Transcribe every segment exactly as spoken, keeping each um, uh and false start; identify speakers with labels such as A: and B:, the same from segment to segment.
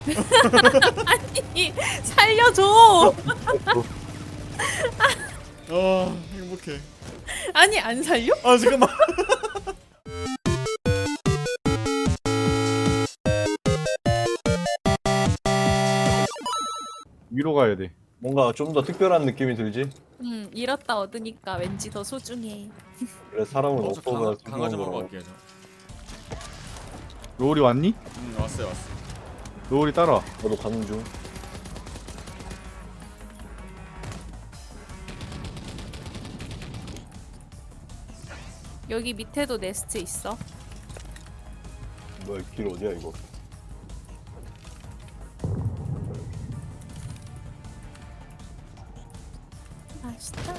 A: 아니 살려줘.
B: 아 행복해.
A: 아니 안 살려?
B: 아 잠깐만.
C: 위로 가야 돼.
D: 뭔가 좀 더 특별한 느낌이 들지?
A: 응 잃었다 얻으니까 왠지 더 소중해.
D: 그래 사람은
B: 어, 저
D: 없어서
B: 강화, 강화 좀 하고 갈게요 저.
C: 로울이 왔니?
B: 응 왔어요 왔어.
C: 로울이 따라와.
D: 나도 가는 중.
A: 여기 밑에도 네스트 있어.
D: 뭐야 길 어디야 이거?
A: 맛있다.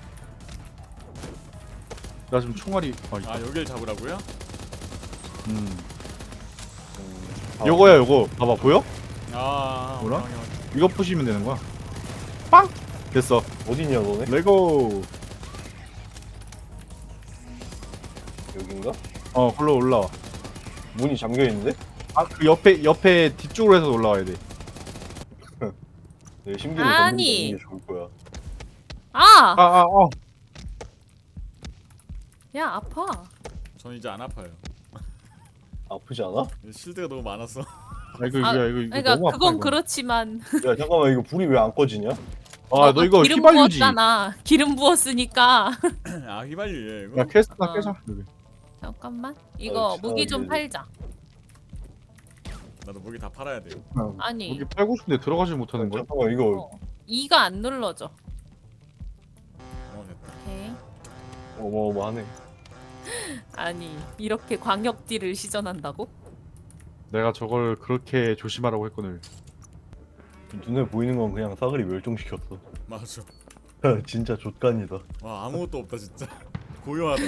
C: 나 지금 총알이. 아, 있다.
B: 아 여길 잡으라고요?
C: 음.
D: 음, 아,
C: 요거야 요거. 봐봐 보여?
B: 아
C: 뭐라?
B: 확인, 확인.
C: 이거 부시면 되는 거야. 빵! 됐어.
D: 어디냐 너네?
C: 레고.
D: 여긴가?
C: 어, 글로 올라와.
D: 문이 잠겨 있는데?
C: 아, 그 옆에 옆에 뒤쪽으로 해서 올라와야 돼.
D: 내 심기를
A: 아니.
D: 걷는 게 좋을 거야.
A: 아!
C: 아, 아, 어.
A: 야 아파.
B: 전 이제 안 아파요.
D: 아프지 않아?
B: 실드가 너무 많았어.
C: 아, 이거
A: 아,
C: 이거 이거, 이거
A: 그러니까
C: 너무 아파.
A: 그건
C: 이거.
A: 그렇지만.
D: 야 잠깐만 이거 불이 왜 안 꺼지냐?
C: 아, 너 이거
A: 기름
C: 휘발유지.
A: 부었잖아. 기름 부었으니까.
B: 아 휘발유예요 이거?
C: 야, 퀘스트나
A: 어.
C: 깨자. 여기.
A: 잠깐만. 이거
D: 어,
A: 무기 좀
D: 이제-
A: 팔자.
B: 나도 무기 다 팔아야 돼요.
C: 아,
A: 아니.
C: 여기 팔고 싶은데 들어가지 못하는 거야?
D: 잠깐만 이거
A: 어. 이가 안 눌러져.
B: 어 됐다.
A: 오케이.
D: 어마어마하네.
A: 아니 이렇게 광역딜을 시전한다고?
C: 내가 저걸 그렇게 조심하라고 했거늘.
D: 눈에 보이는 건 그냥 사거리 멸종시켰어.
B: 맞아.
D: 진짜 족간이다.
B: 와 아무것도 없다 진짜. 고요하다.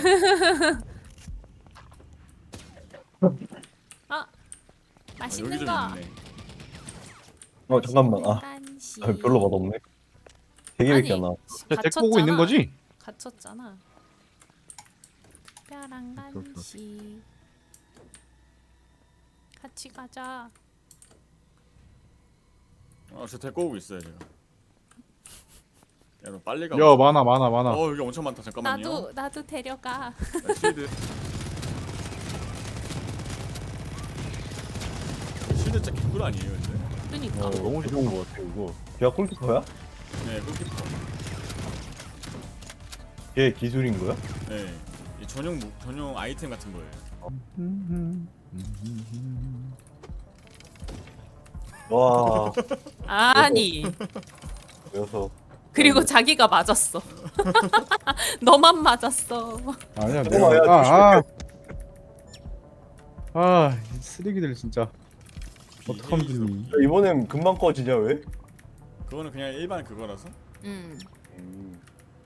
A: 아
B: 아,
A: 맛있는
B: 여기 좀
A: 거.
B: 있네.
D: 어 잠깐만. 아,
A: 간식.
D: 아, 별로 맛없네. 되게밖에 안 나와.
C: 야, 데리고 오고 있는 거지?
A: 갇혔잖아. 뼈랑
C: 오케이, 오케이.
A: 간식. 같이 가자.
B: 아저 데리고 오고 있어요 제가. 야 너 빨리 가.
C: 야, 많아 많아 많아.
B: 어 여기 엄청 많다 잠깐만요.
A: 나도 나도 데려가.
B: 나 실드. 실드 진짜 개꿀 아니에요 근데?
A: 그니까.
D: 어, 너무 좋은 거 같아 이거. 걔가 콜키퍼야?
B: 네 골키퍼.
D: 걔 기술인 거야?
B: 네. 이 전용 무, 전용 아이템 같은 거예요.
D: 와,
A: 아니.
D: 녀석.
A: 그리고 자기가 맞았어. 너만 맞았어.
C: 아니야,
D: 잠깐만, 야,
C: 내가 아, 아. 아, 이 쓰레기들 진짜. 어떡하면 좋니?
D: 야, 이번엔 금방 꺼지냐 왜?
B: 그거는 그냥 일반 그거라서.
A: 음.
D: 음.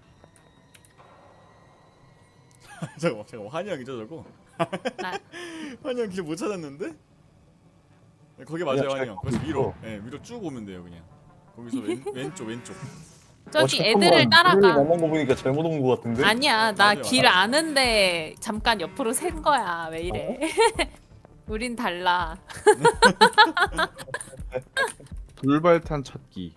B: 잠깐만 잠깐만 환영이죠 저거?
A: 나
B: 환영 길 못 찾았는데? 네, 거기 맞아요
D: 야,
B: 환영.
D: 잘
B: 거기서 위로.
D: 보이죠?
B: 네 위로 쭉 오면 돼요 그냥. 거기서 왼, 왼쪽 왼쪽.
A: 저기
D: 어,
A: 애들을
D: 잠깐만.
A: 따라가.
D: 우리를 만난 거 보니까 잘못 온 거 같은데?
A: 아니야 나
B: 맞아요,
A: 길
B: 맞아요.
A: 아는데 잠깐 옆으로 샌 거야. 왜 이래? 우린 달라.
C: 돌발탄 찾기.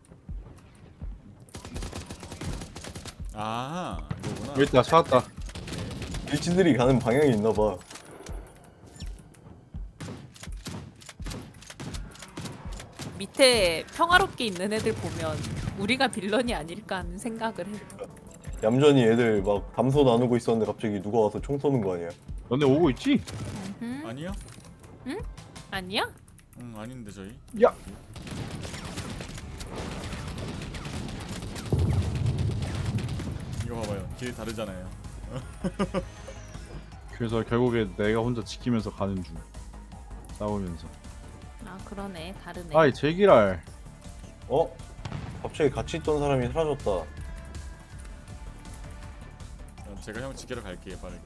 B: 아 이거구나.
C: 여기 있다, 찾았다.
D: 일진들이 가는 방향이 있나 봐.
A: 밑에 평화롭게 있는 애들 보면 우리가 빌런이 아닐까 하는 생각을 해.
D: 얌전히 애들 막 담소 나누고 있었는데 갑자기 누가 와서 총 쏘는 거 아니야?
C: 너네 오고 있지?
A: 음?
B: 아니요?
A: 아니야?
B: 응 아닌데 저희.
C: 야.
B: 이거 봐봐요 길 다르잖아요.
C: 그래서 결국에 내가 혼자 지키면서 가는 중. 싸우면서.
A: 아 그러네 다르네.
C: 아이 제기랄.
D: 어? 갑자기 같이 있던 사람이 사라졌다.
B: 그럼 제가 형 지키러 갈게요 빠르게.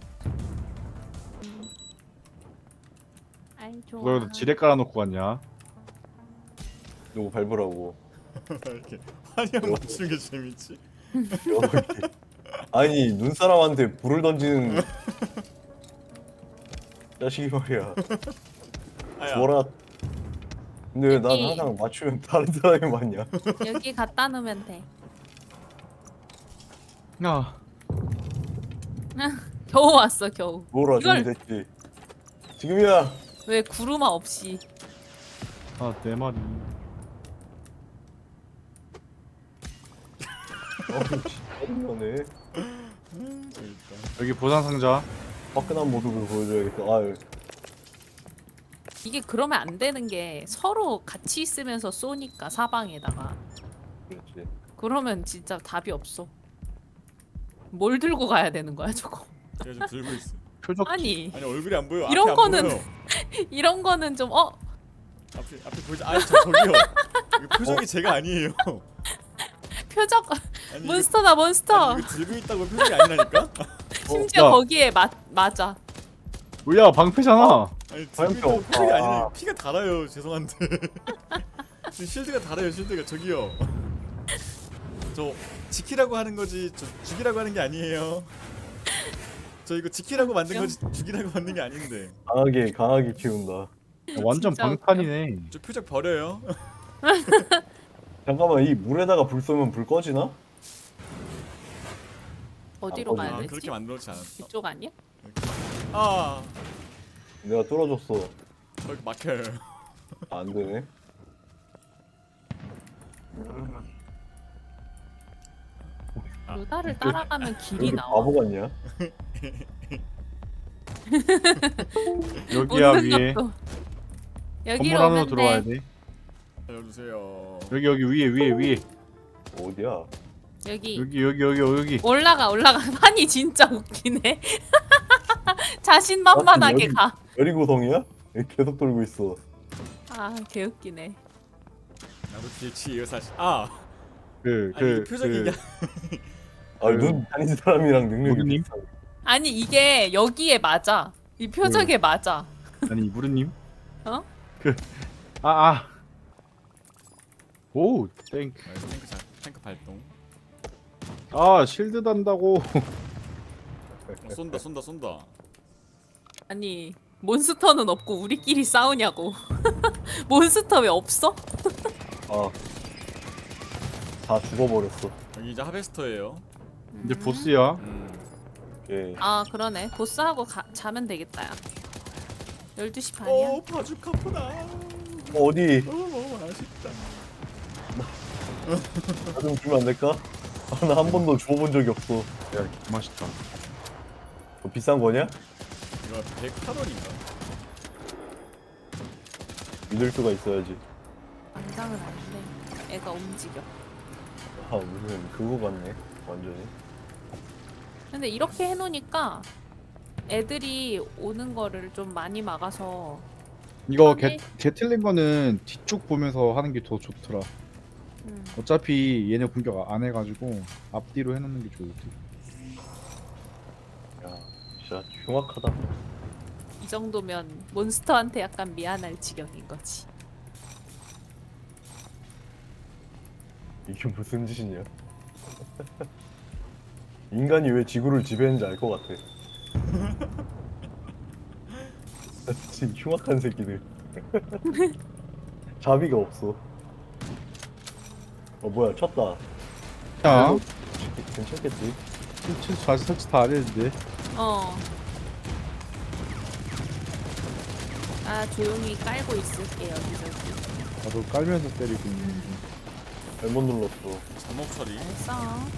A: 아이 좋아.
C: 너 여기다 지뢰 깔아놓고 갔냐?
D: 누구 밟으라고.
B: 이렇게 환영 맞추는 게 재밌지.
D: 이렇게. 아니 눈사람한테 불을 던지는 자식이 말이야.
B: 아야.
D: 뭐라 근데 왜 난
A: 여기.
D: 항상 맞추면 다른 사람이 맞냐?
A: 여기 갖다 놓으면 돼.
C: 야,
A: 겨우 왔어 겨우.
D: 뭐라
A: 이걸-
D: 저기 됐지. 지금이야.
A: 왜 구루마 없이.
C: 아, 내 말이.
D: 어우 짜증나네.
B: 재밌다.
C: 여기 보상 상자.
D: 화끈한 모습을 보여줘야겠다. 아유.
A: 이게 그러면 안 되는 게 서로 같이 있으면서 쏘니까 사방에다가.
D: 그렇지.
A: 그러면 진짜 답이 없어. 뭘 들고 가야 되는 거야 저거?
B: 제가 지금 들고 있어.
C: 표적.
A: 아니
B: 아니 얼굴이 안 보여.
A: 이런
B: 앞에 안
A: 거는-
B: 보여.
A: 이런 거는 좀 어?
B: 앞에 앞에 보이지? 아니 저 저기요. 이거 표정이 제가 아니에요.
A: 표적
B: 아니,
A: 몬스터다
B: 이거,
A: 몬스터.
B: 아니, 이거 들고 있다고 표정이 아니라니까?
A: 심지어
C: 야.
A: 거기에 맞 맞아.
C: 뭐야, 방패잖아.
B: 아니 들고
D: 화염병.
B: 있다고 표정이
D: 아.
B: 아니라 피가 달아요. 죄송한데. 지금 실드가 달아요. 실드가 저기요. 저 지키라고 하는 거지 저 죽이라고 하는 게 아니에요. 저 이거 지키라고 만든 거지 죽이라고 만든 게 아닌데.
D: 강하게 강하게 키운다.
C: 완전
A: 진짜 웃겨.
C: 방탄이네.
B: 저 표적 버려요.
D: 잠깐만 이 물에다가 불 쏘면 불 꺼지나?
A: 어디로
D: 아,
A: 가야
B: 아
A: 되지?
B: 그렇게 만들었지 않았어?
A: 이쪽 아니야?
B: 아
D: 내가 뚫어줬어.
B: 저기 막혀요.
D: 아, 안 되네.
B: 아.
A: 루다를 따라가면 길이
D: 여기
A: 나와.
D: 바보 같냐?
C: 여기야,
A: 웃는
C: 위에.
A: 것도.
C: 건물
A: 여기로
C: 안으로
A: 오면
C: 들어와야
A: 돼.
C: 돼.
B: 알려주세요.
C: 여기, 여기, 위에, 위에, 위에.
D: 어디야?
A: 여기.
C: 여기, 여기, 여기, 여기.
A: 올라가 올라가. 판이 진짜 웃기네. 자신만만하게
D: 여기-
A: 가.
D: 여리고성이야? 계속 돌고 있어.
A: 아 개웃기네.
B: 나도 뒤에 사실. 아
C: 그,
B: 아니 이게
C: 그,
B: 표정이
C: 그,
B: 이게
D: 아, 눈 다닌 사람이랑 능력이
C: 모두님?
D: 비슷하네.
A: 아니 이게 여기에 맞아. 이 표적에 맞아.
C: 아니, 무르님?
A: 어?
C: 그, 아, 아. 오, 땡.
B: 아, 탱크 잘 탱크 발동.
C: 아, 실드 단다고.
B: 어, 쏜다 쏜다 쏜다.
A: 아니 몬스터는 없고 우리끼리 싸우냐고. 몬스터 왜 없어?
D: 아, 다 죽어버렸어.
B: 여기 이제 하베스터예요.
C: 이제 보스야.
B: 음.
D: 예.
A: 아 그러네. 보스하고 가, 자면 되겠다. 야. 열두 시 반이야.
B: 오 바주카프다.
D: 어, 어디?
B: 오 아쉽다.
D: 나 좀 주면 안 될까? 아, 나 한 번도 줘본 적이 없어.
C: 야, 맛있다.
D: 뭐 비싼 거냐?
B: 이거 백 칼로리인가?
D: 믿을 수가 있어야지.
A: 당장은 아닌데 애가 움직여.
D: 아, 무슨 그거 같네. 완전히.
A: 근데 이렇게 해놓으니까 애들이 오는 거를 좀 많이 막아서
C: 이거
A: 편해.
C: 개, 개 틀린 거는 뒤쪽 보면서 하는 게 더 좋더라.
A: 음,
C: 어차피 얘네 공격 안 해가지고 앞뒤로 해놓는 게 좋을 듯.
D: 야, 진짜 흉악하다.
A: 이 정도면 몬스터한테 약간 미안할 지경인 거지.
D: 이게 무슨 짓이냐? 인간이 왜 지구를 지배했는지 알 것 같아. 진짜 흉악한 새끼들. 자비가 없어. 어 뭐야 쳤다.
C: 야,
D: 괜찮겠지?
C: 실수 다시 설치 다 안 했는데.
A: 어. 아 조용히 깔고 있을게 여기저기.
C: 나도 깔면서 때리고 있는데.
D: 잘못 눌렀어.
B: 잠목 처리.
A: 알았어.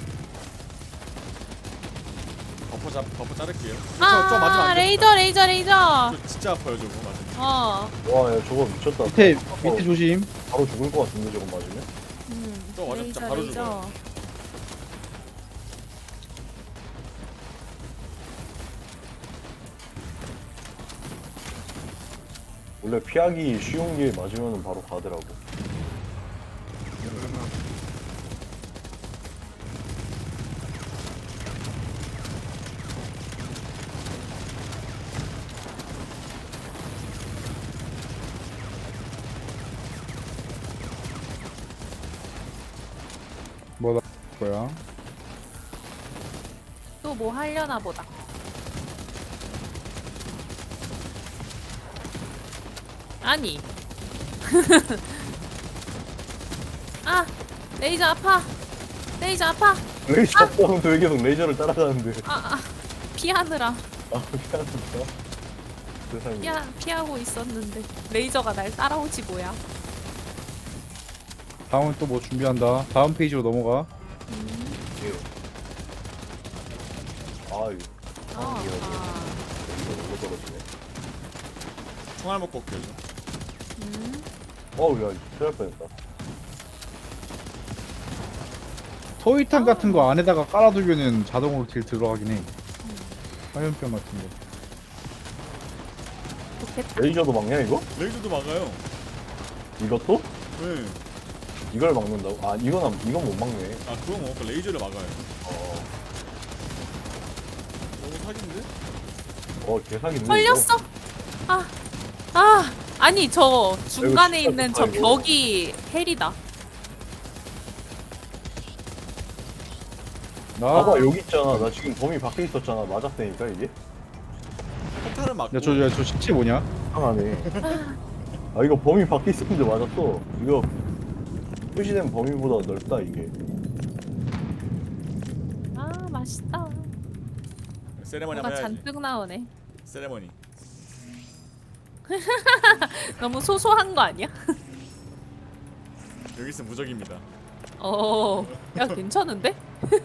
B: 버퍼 잡 버퍼 자를게요.
A: 아
B: 저, 저 맞으면 안 돼.
A: 레이저 레이저 레이저.
B: 저 진짜 아파요 저거 맞으면.
A: 어.
D: 와, 야 저거 미쳤다.
C: 밑에
D: 어,
C: 밑에 조심.
D: 바로 죽을 것 같은데 저거 맞으면?
A: 음.
B: 저 완전
A: 레이저
B: 바로
A: 레이저.
B: 죽어요.
D: 원래 피하기 쉬운 게 맞으면 바로 가더라고.
C: 뭐다 거야?
A: 또 뭐 하려나 보다. 아니 아 레이저 아파. 레이저 아파.
D: 레이저 하면서 왜 계속 레이저를 따라가는데?
A: 아, 아 피하느라
D: 아 미안합니다. 세상에.
A: 피하, 피하고 있었는데 레이저가 날 따라오지 뭐야.
C: 다음은 또 뭐 준비한다. 다음 페이지로 넘어가.
D: 아유.
A: 아,
D: 아,
A: 아.
D: 이거 너무 떨어지네.
B: 총알 먹고 올게요.
A: 음.
D: 어우 야 큰일 날 뻔했다.
C: 토이탄 같은 거 안에다가 깔아두면은 자동으로 딜 들어가긴 해. 화염병 같은 거.
A: 좋겠다.
D: 레이저도 막냐 이거?
B: 레이저도 막아요.
D: 이것도?
B: 네.
D: 이걸 막는다고? 아 이건 안, 이건 못 막네.
B: 아 그건 뭐 그 레이저를 막아요.
D: 어,
B: 너무 사기인데?
D: 어 개사기네.
A: 걸렸어. 아, 아, 아니 저 중간에
D: 이거
A: 있는
D: 진짜
A: 저
D: 좋다, 이거.
A: 벽이 헬이다.
C: 나.
D: 봐봐 여기 있잖아. 나 지금 범위 밖에 있었잖아. 맞았다니까 이게?
B: 폭탄을 막고.
C: 야저 야, 저 시체 뭐냐?
D: 이상하네. 아 이거 범위 밖에 있었는데 맞았어. 이거 표시된 범위보다 넓다 이게.
A: 아 맛있다.
B: 세레머니
A: 뭐가
B: 한번 해야지.
A: 잔뜩 나오네.
B: 세레머니.
A: 너무 소소한 거 아니야?
B: 여기 있으면 무적입니다.
A: 어, 야 괜찮은데?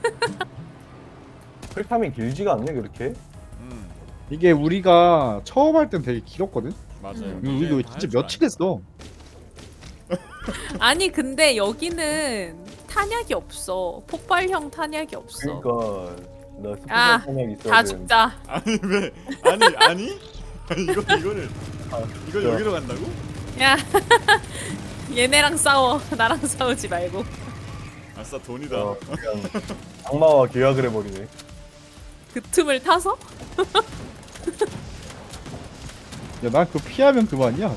D: 클타임이 길지가 않네 그렇게.
B: 음
C: 이게 우리가 처음 할 땐 되게 길었거든.
B: 맞아요.
A: 음.
C: 이거, 이거
B: 다
C: 진짜
B: 할줄
C: 며칠 했어.
A: 아니 근데 여기는 탄약이 없어. 폭발형 탄약이 없어.
D: 그러니까 나 스피드
A: 아,
D: 탄약 있어야
A: 다
D: 되는데.
A: 죽자.
B: 아니 왜? 아니 아니? 아니 이거 이거를
D: 아,
B: 이걸
D: 진짜.
B: 여기로 간다고?
A: 야, 얘네랑 싸워. 나랑 싸우지 말고.
B: 아싸 돈이다.
D: 어, 그냥 악마와 계약을 해버리네.
A: 그 틈을 타서?
C: 야 난 그거 피하면 그만이야.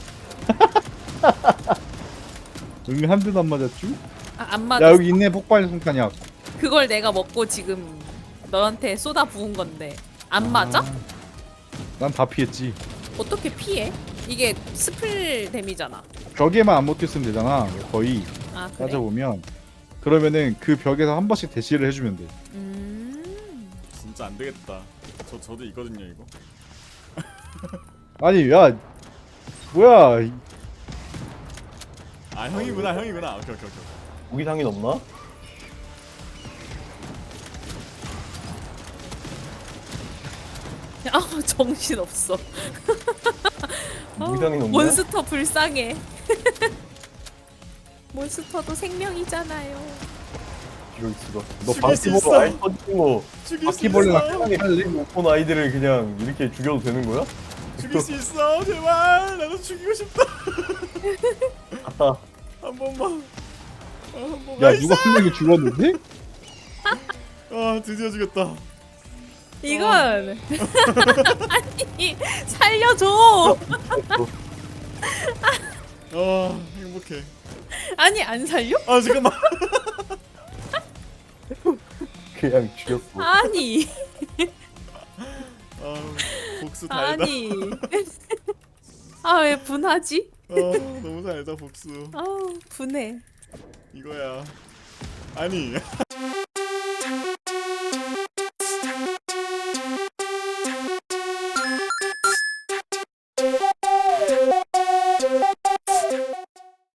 C: 응 한 대도 안 맞았쥬?
A: 아, 안 맞아.
C: 야 여기 있네 폭발 성탄약.
A: 그걸 내가 먹고 지금 너한테 쏟아 부은 건데 안 맞아?
C: 난 다 피했지.
A: 어떻게 피해? 이게 스플 데미잖아.
C: 벽에만 안 먹혔으면 되잖아. 거의
A: 아 그래?
C: 따져보면. 그러면은 그 벽에서 한 번씩 대시를 해주면 돼.
A: 음.
B: 진짜 안 되겠다. 저 저도 있거든요 이거.
C: 아니 야 뭐야? 이-
B: 아 형이구나 형이구나. 오케이 오케이 오케이.
D: 무기상이 넘나?
A: 아 정신 없어.
D: 무기상이 넘나?
A: 몬스터 불쌍해. 몬스터도 생명이잖아요.
D: 이럴 수가. 너
B: 죽일 수
D: 바퀴벌레
B: 있어.
D: 아이 터지고 뭐
B: 죽일 수
C: 바퀴벌레랑
B: 있어.
C: 편하게 할래?
D: 못본 아이들을 그냥 이렇게 죽여도 되는 거야?
B: 죽일 수 있어 제발. 나도 죽이고 싶다.
D: 아따.
B: 한 번만. 아, 한 번만.
C: 야 누가 한 명이 죽었는데?
B: 아 드디어 죽였다.
A: 이건 아니 살려줘.
B: 아 행복해.
A: 아니 안 살려?
B: 아 잠깐만.
D: 그냥 죽였어.
A: 아니
B: 아 복수 달다.
A: 아니. 아 왜 분하지?
B: 아 너무 달다 복수.
A: 아 분해.
B: 이거야. 아니